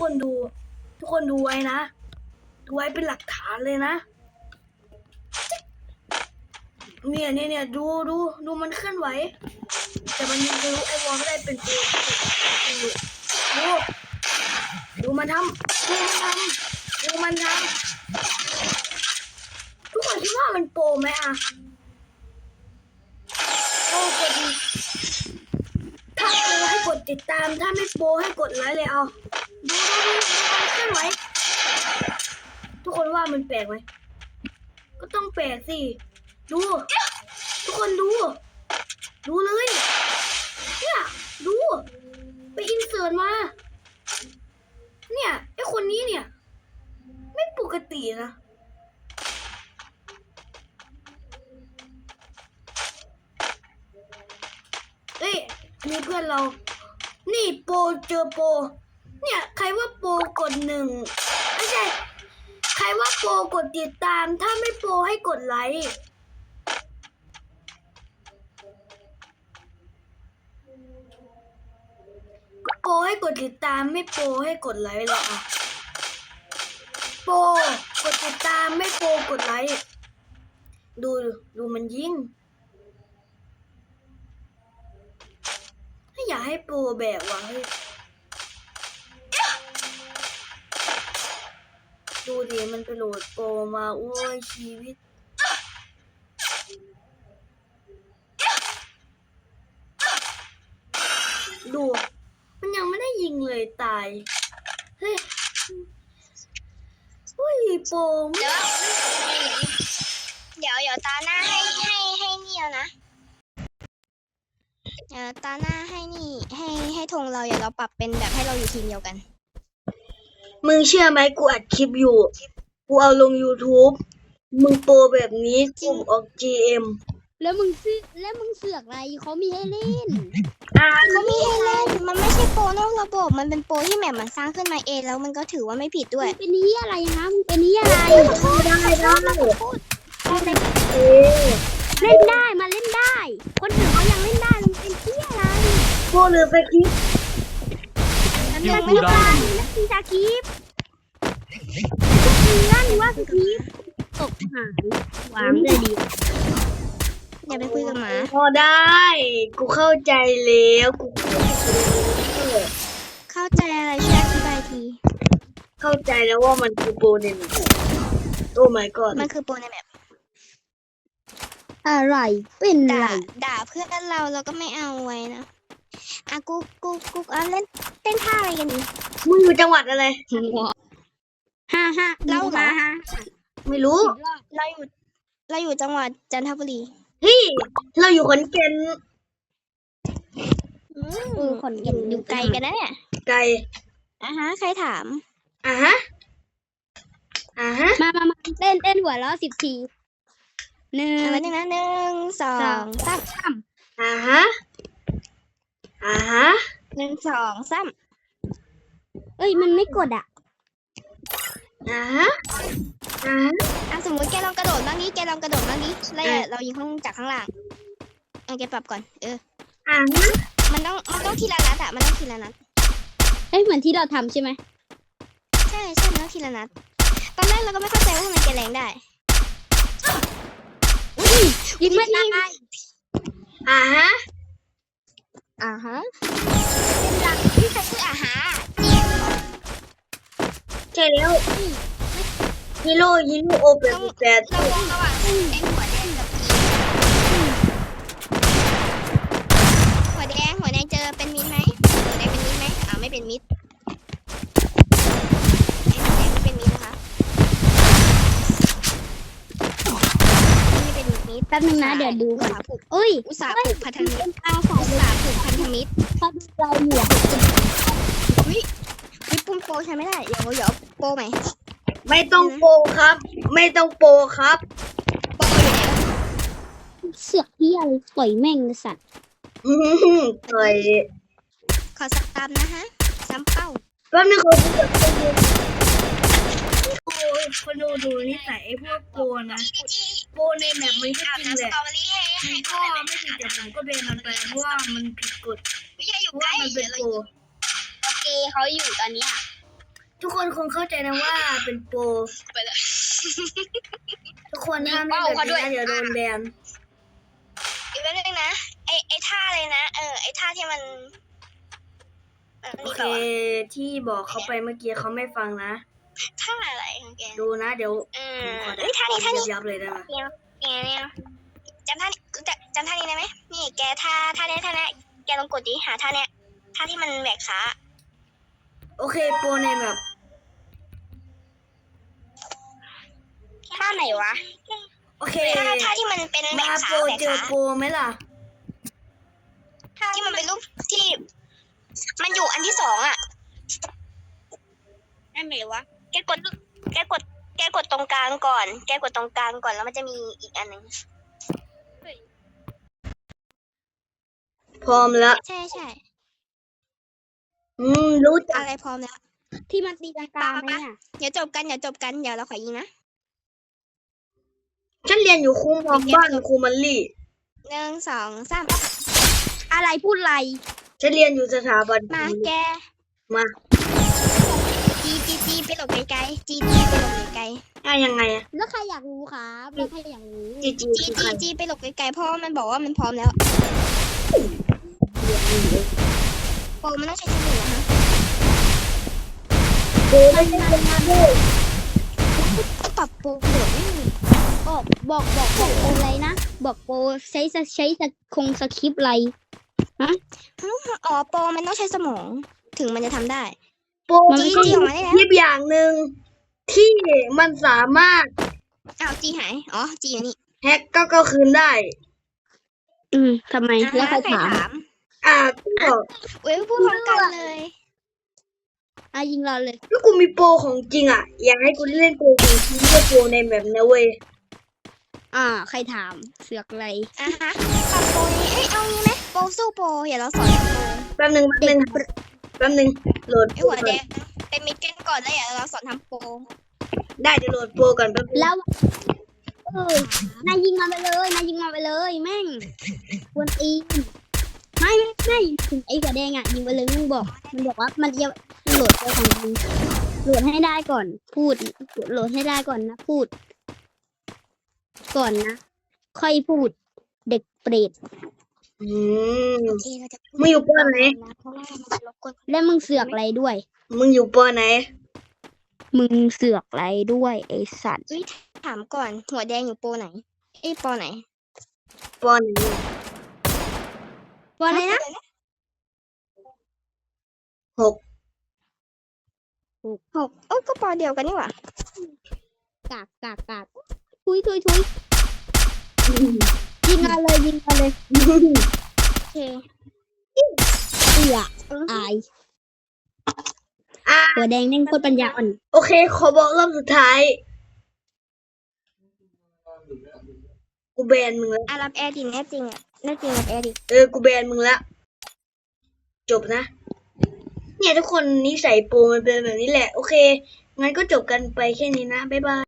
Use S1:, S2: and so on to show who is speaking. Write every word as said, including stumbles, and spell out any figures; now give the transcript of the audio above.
S1: คนดูทุกคนดูไว้นะดูไว้เป็นหลักฐานเลยนะเนี่ยเนี่ยเนี่ยดูดูดูมันเคลื่อนไหวแต่มันยังรู้ไอ้วอลไม่ได้เป็นตัวดูดูมันทำดูมันทำดูมันทำทุกคนคิดว่ามันโปรไหมอะโปรกดถ้าโปรให้กดติดตามถ้าไม่โปรให้กดไลค์เลยเอาดูดูดูมันเคลื่อนไหวทุกคนว่ามันแปลกไหมก็ต้องแปลกสิดูทุกคนดูดูเลยเนี่ยดูไปอินเสิร์ตมาเนี่ยไอคนนี้เนี่ยไม่ปกตินะเอ้ยอันนี้เพื่อนเรานี่โปรเจอโปรเนี่ยใครว่าโปรกดหนึ่งไม่ใช่ใครว่าโปรกดติดตามถ้าไม่โปรให้กดไลค์โปรให้กดติดตามไม่โปรให้กดไลค์หรอกโปรกดติดตามไม่โปรกดไลค์ดูดูมันยิงถ้าอยากให้โปรแบบว่าเฮ้ยดูดิมันไปโหลดโปรมาโอ้ยชีวิตดูมันยังไม่ได้ยิงเลยตายเฮ้ยอุ้ยโปรไม่
S2: เดี๋ยวเดี๋ยวตาหน้าให้ให้ให้นี่แล้วนะเดี๋ยวตาหน้าให้นี่ให้ให้ธงเราอย่าเราปรับเป็นแบบให้เราอยู่ทีมเดียวกัน
S1: มึงเชื่อไหมกูอัดคลิปอยู่กูเอาลง YouTube มึงโปรแบบนี้กูออก จี เอ็ม
S3: แล้วมึงซื้อแล้วมึงเสือกอะไรเขามีให้เล่น
S1: อ่า
S2: เขามีให้เล่นมันไม่ใช่โปรนอกระบบมันเป็นโปรที่แมปมันสร้างขึ้นมาเองแล้วมันก็ถือว่าไม่ผิดด้วย
S3: มึงเป็นนี้อะไรฮะมึงเป็นนี้อะไร
S1: ได้ได้เออ
S3: เล่นได้มาเล่นได้ คนอื่นเขายังเล่นได้มึงเป็นที่อะไร
S1: โปรหรือสคริปต์
S3: นักกีฬานักกีฬากีฟมึงลั่นว่าสกีฟตกหายวางเลยดี
S2: อย่าไปคุยกับหมา
S1: พอได้กูเข้าใจแล้วกู
S2: เข้าใจอะไรช่วยอธิบายที
S1: เข้าใจแล้วว่ามันคือโปรในมันโอ้ my god
S2: มันคือโปรในแมป
S3: อะไรเป็นไร
S2: ด่าด่าเพื่อนเราเราก็ไม่เอาไว้นะอ่ะกูกูกูเอาเล่นเต้นท่าอะไรกันดี
S1: มึงอยู่จังหวัดอะไร
S3: ฮ่าฮ่า
S2: เล่ามา
S1: ไม่รู้
S2: เราอยู่เราอยู่จังหวัดจันทบุรี
S1: เฮ้ยเราอยู่ขอนแก่น
S2: อืมคนอยู่อยู่ไกลกันนะเนี่ย
S1: ไกล
S2: อ่ะฮะใครถาม
S1: อ่ะฮะอ่ะฮะ
S3: มามามาเต้นเต้นหัวล้อสิบทีหนึ่ง
S2: เอาไว้หนึ่งนะหนึ่งสองสาม
S3: สาม
S1: อ่ะฮะอ่ะฮะ
S2: หนึ่งสองสาม
S3: เอ้ยมันไม่กดอ่ะ
S1: อ่ะฮะอ่ะฮะ
S2: อ่ะสมมติแกลองกระโดดบ้างนี้แกลองกระโดดบ้างนี้แล้วอย่าเรายิงข้างจากข้างล่างเอาแกปรับก่อนเออ
S1: อ่ะฮะ
S2: มันต้องมันต้องทีละนัดอะมันต้องทีละนัด
S3: เอ้ยเหมือนที่เราทำใช่ไหม
S2: ใช่ใช่มันต้องทีละนัดตอนแรกเราก็ไม่เข้าใจว่าทำไมแกแรงได้
S3: ยิงไม่ได้
S1: อ่ะฮะ
S2: อ่าฮะเป็นหลักที่ใครคืออาหาร
S1: ใช่แล้วฮีโร่ฮีโร่โอเปร่าแต่
S2: เราวงระหว่างไอ้หัวแดงกับกีหัวแดงหัวแดงเจอเป็นมิตรไหมหัวแดงเป็นมิตรไหมอ่าไม่เป็นมิตรไอ้หัวแดงไม่เป็นมิตรนะคะไม่เป็นมิตร
S3: แป๊บนึงนะเดี๋ยวดูก่อน
S2: อุต
S3: เอ้ย
S2: ส่าห์ผูกพันธมิตรอุตส่าห์ผูกพันธมิตร
S3: เขาดูเราอยู่อะ
S2: วิวิปุ่มโปรใช้ไม่ได้เดี๋ยวเดี๋ยวโปรใหม่
S1: ไม่ต้องโปรครับ ไม่ต้องโปรครับ
S2: โปรอยู่ไหนแล้ว
S3: เสือกที่อะไรปล่อยแม่งเลยสัตว์
S1: อื้อหือต่อย
S2: ขอซ้ำนะฮะซ้ำเป้า
S1: แป๊บนึงขอดูก่อนโอ้ยคนดูดูนิสัยไอ้พวกโปรนะโปรในแมปมันก็จริงแหละ
S2: สตรอเบอรี่ให้ให้
S1: ก็ไม่ผิดแต่ผมก็เบนมันไปเพราะว่ามันผิดกฎ
S2: ไม่ใช่อ
S1: เพ
S2: ยู่
S1: ราะ
S2: ใก
S1: ว่า
S2: ล้
S1: มันเป็นโปร
S3: โอเคเขาอยู่ตอนนี้อ่ะ
S1: ทุกคนคงเข้าใจนะว่าเป็นโปร
S2: ไปเลย
S1: ทุกคนห้ามเล่นแบบนี้นะเดี๋ยวโดนแบน
S2: อีกเรื่องนึงนะไอไอท่าเลยนะเออไอท่าที่มัน
S1: โอเคที่บอกเขาไปเมื่อกี้เขาไม่ฟังนะ
S2: ท่าอะไรของแก
S1: ดูนะเดี๋ยว
S2: อืม
S1: ขอ
S2: เอ้ยท่านี้ท่านี้
S1: ยับๆเลยได้ไหม
S2: เนี่ยเนี่ยเนี่ยจำท่านี้จำจำท่านี้ได้ไหมนี่แกท่าท่าเนี้ยท่าเนี้ยแกลองกดดิหาท่าเนี้ยท่าที่มันแหวกขา
S1: โอเคโปรในแบบ
S2: ท่าไหนวะ
S1: โอเค
S2: ท่าท่าที่มันเป็นแหว
S1: มาก โป
S2: ขาร แหวก
S1: เจอ
S2: ขา
S1: โปรไหมล่ะ
S2: ที่มันเป็นรูปที่ มันอยู่อันที่สองอ่ะนั่นไหนวะแกกดแกกดแกกดตรงกลางก่อน แกกดตรงกลางก่อนแล้วมันจะมีอีกอันหนึ่ง
S1: พร้อมแล้ว
S2: ใช่ใช่
S1: อืมรู้จัก
S2: อะไรพร้อมแล้ว
S3: ที่มันตีลังกาไหมอ่ะ
S2: เดี๋ยวจบกันเดี๋ยวจบกันเดี๋ยวเราขอยิงนะ
S1: ฉันเรียนอยู่ครูมองบ้านครูมันลี่
S2: หนึ่งสองสาม
S3: อะไรพูดอะไร
S1: ฉันเรียนอยู่สถาบัน
S2: มาแก
S1: มา
S2: จีจีจีไปหลบไกลๆจีจีไปหลบไกล
S1: อ่ะยังไงอะ
S3: แล้วใครอยากรู้ครับแล้วใครอยากรู้
S1: จีจี
S2: ๆจี
S1: คือใค
S2: จี
S1: ร
S2: จีไปหลบไกลๆเพราะว่ามันบอกว่ามันพร้อมแล้วโปรมันต้องใช้สมุนเหรอฮะ
S1: โปรไม่ใช่เป็นมาด้วย
S2: ปรับโปรโหดไม่มี
S3: บอกบอกบอกบอกโปรอะไรนะ บอกโปรใช้สใช้สคงสคริปต์อะไร
S2: อ๋อโปรมันต้องใช้สมอง ถึงมันจะทำได้
S1: โปร
S3: มัน
S2: จี
S3: ไม่
S2: จี
S3: ใช่
S2: ออกมาได้แล้ว
S1: ยิบอย่างหนึ่งที่มันสามารถ
S2: อ้าวจีหายอ๋อจีอยู่นี่
S1: แฮกก็ก็คืนได้
S3: อืมทำไมแล้วใครถาม
S2: ม
S1: อ่าก็
S2: เว้ยพูดพร้อมกันเลย
S3: อ่ะยิงเราเลย
S1: ถ้ากูมีโปรของจริงอ่ะ อยากให้กูเล่นโปรของจริงไม่ใช่โปรในแบบนะเว้ย
S3: อ่า ใครถามเสือกอะไร
S2: อ่ะฮะปรับโปรนี้เอ้ยเอางี้ไหมโปรสู้โปรอย่าเราสอนโปร
S1: แป๊บหนึงแป๊บหนึงแป๊บหนึงโหลด
S2: ไอ
S1: โปร
S2: หัว
S1: ก่
S2: แด
S1: อน
S2: งเป็นมิดกันก่อนแล้วอย่าเราสอนทำโปร
S1: ได้เดี๋ยวโหลดโปรก่อนแป๊บหนึง
S3: แล้วเออนายยิงมาไปเลยนายยิงมาไปเลยแม่งกวนตีนไม่ไม่ไม่ถึงไอ้หัวแดงอ่ะยิงไปเลยมึงบอกมันบอกว่ามันจะโหลดตัวของมึงโหลดให้ได้ก่อน พูดโหลดให้ได้ก่อนนะพูด ก่อนนะค่อยพูด เด็กเปรต
S1: อืม
S2: โอเคเราจะ
S1: มึงอยู่โปรไหน
S2: เพราะว่ามันจะรบกวน
S3: แล้วมึงเสือกอะไรด้วย
S1: มึงอยู่โปรไหน
S3: มึงเสือกอะไรด้วยไอ้สัตว์
S2: เฮ้ยถามก่อนหัวแดงอยู่โปรไหนเอ้ยโปรไหน
S1: โปรไหน
S3: ว่าอะไรนะ
S1: หก
S2: หกเอ้ยก็โปรเดียวกันนี่หว่าก
S3: ากกากกากทุยทุยทุยยิงมาเลยยิงมาเลย
S2: โอเค
S3: เอืออาย
S1: อ่า
S3: หัวแดงแม่งโคตรปัญญาอ่อน
S1: โอเค ขอบอกรอบสุดท้าย กูแบนมึงแล้ว
S2: อ่ะรับแอร์ดิแน่จริงอ่ะแน่จริงรับแอร์ดิ
S1: เออ กูแบนมึงแล้ว จบนะ เนี่ยทุกคนนิสัยโปรมันเป็นแบบนี้แหละ โอเค งั้นก็จบกันไปแค่นี้นะ บ๊ายบาย